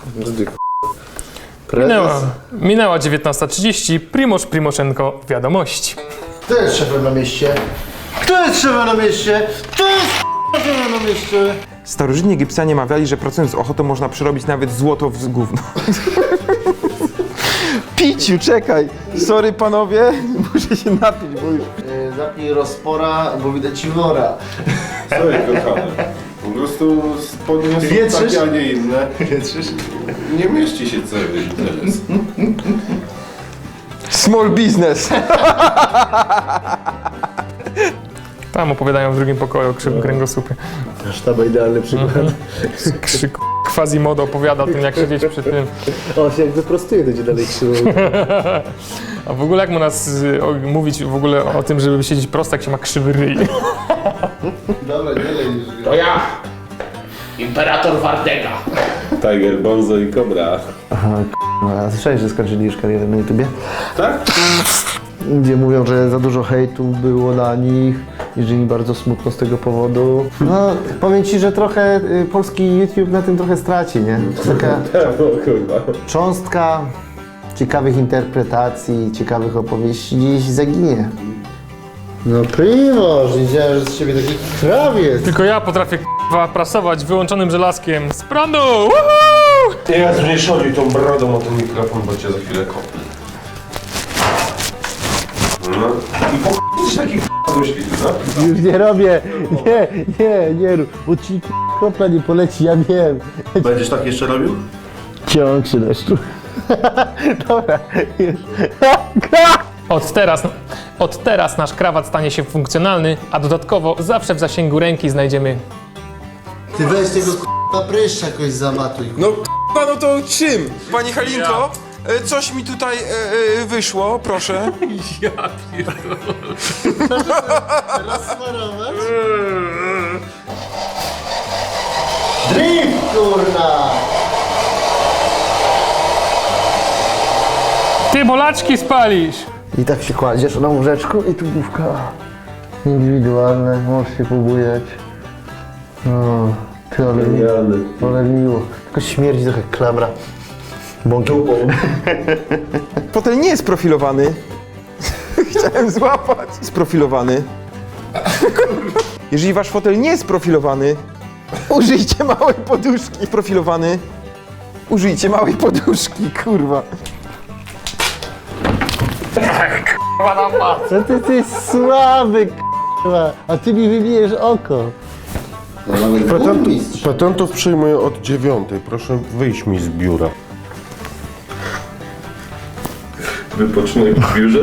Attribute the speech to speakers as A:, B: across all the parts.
A: Minęła 19:30, Primož Primoženko, wiadomości.
B: Kto jest szefem na mieście? Kto jest szefem na mieście? Kto jest szefem na mieście?
C: Starożytni Egipcjanie mawiali, że pracując z ochotą można przerobić nawet złoto w gówno. Piciu, czekaj! Sorry panowie, muszę się napić, bo już...
B: Zapnij rozpora, bo widać ci wora.
D: Sorry, kochany. Po prostu spodnie są
B: Wietrzysz?
D: takie, a nie inne.
B: Wietrzysz?
D: Nie mieści się cały interes.
C: Small business!
A: Tam opowiadają w drugim pokoju o krzywym kręgosłupie.
B: Sztaba idealny przykład.
A: Quasimodo opowiada o tym, jak siedzieć przy tym.
B: On się jak wyprostuje, będzie dalej krzywo.
A: A w ogóle jak mu nas mówić w ogóle o tym, żeby siedzieć prosto, jak się ma krzywy ryj.
B: Dobra, nie lej już.
E: To ja, imperator Wardega.
D: Tiger, Bonzo i Cobra.
B: Aha, a słyszałeś, że skończyli już karierę na YouTubie?
D: Tak?
B: Gdzie mówią, że za dużo hejtu było na nich i że im bardzo smutno z tego powodu. No, powiem ci, że trochę polski YouTube na tym trochę straci, nie? Taka
D: kurwa.
B: cząstka ciekawych interpretacji, ciekawych opowieści gdzieś zaginie. No Primož, widziałem, że z ciebie taki krawiec.
A: Tylko ja potrafię prasować wyłączonym żelazkiem z prądu! Woohoo!
D: Teraz mnie szodzi tą brodą o ten mikrofon, bo cię za chwilę kopnę. No. I po jesteś taki myśli, no?
B: Już nie robię, nie rób, bo ci kropla nie poleci, ja wiem.
D: Będziesz tak jeszcze robił?
B: Ciąg się deszczu. Dobra, już.
A: Od teraz nasz krawat stanie się funkcjonalny, a dodatkowo zawsze w zasięgu ręki znajdziemy...
B: Ty weź tego pryszcza jakoś zamatuj.
C: No k***a, no to czym? Pani Halinko, coś mi tutaj wyszło, proszę.
B: Rozsmarować? Drift, kurna!
A: Ty bolaczki spalisz!
B: I tak się kładziesz na łóżeczku i tu główka indywidualne, możesz się pobujać. No, ty ale miło. Tylko śmierdzi trochę klamra. Bąki.
C: Fotel nie jest profilowany. Chciałem złapać. Sprofilowany. Jeżeli wasz fotel nie jest profilowany, użyjcie małej poduszki. Profilowany. Użyjcie małej poduszki, kurwa.
B: Co ty jest słaby, k***a, a ty mi wybijesz oko.
D: Patentów przyjmuję od 9. Proszę wyjść mi z biura. Wypoczynek w biurze?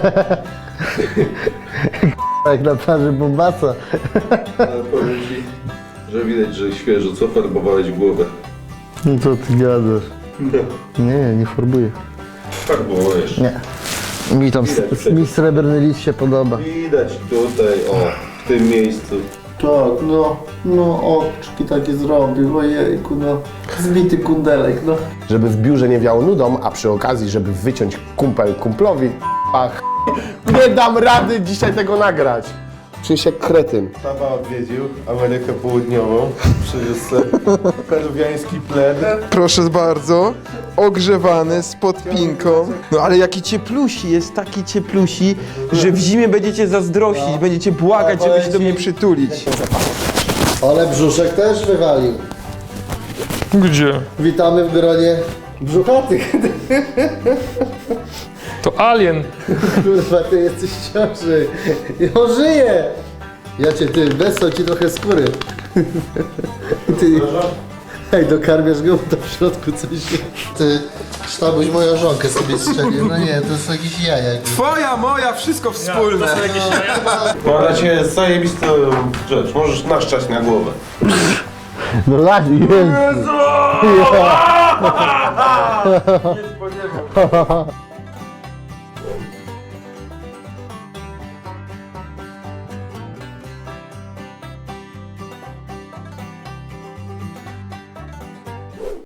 B: Jak na plaży Bombasa.
D: Ale powiem ci, że widać, że świeżo, co farbowałeś głowę.
B: No co ty gadasz? Nie farbuję.
D: Farbowałeś.
B: Nie. Mi tam mi srebrny lis się podoba.
D: Widać tutaj, o, w tym miejscu.
B: Tak, no oczki takie zrobił, ojejku, no. Zbity kundelek, no.
E: Żeby w biurze nie wiało nudą, a przy okazji, żeby wyciąć kumpel kumplowi, ach, nie dam rady dzisiaj tego nagrać. Czuję się jak kretyn.
D: Tata odwiedził Amerykę Południową, przywiózł sobie peruwiański pled.
C: Proszę bardzo. Ogrzewany z podpinką. No ale jaki cieplusi, jest taki cieplusi, że w zimie będziecie zazdrościć, będziecie błagać, żeby się do mnie przytulić.
B: Ale brzuszek też wywalił.
A: Gdzie?
B: Witamy w gronie brzuchatych.
A: To alien.
B: Kurwa, ty jesteś w ciąży. I on żyje. Ja cię, ty, wesał ci trochę skóry. Ty, hej, dokarmiasz go, to w środku coś jest. Ty, sztabuś moją żonkę sobie strzelił. No nie, to są jakieś jaja.
C: Twoja, moja, wszystko wspólne.
D: Mam dla ciebie zajebistą rzecz, możesz naszczać na głowę.
B: No lat, jest.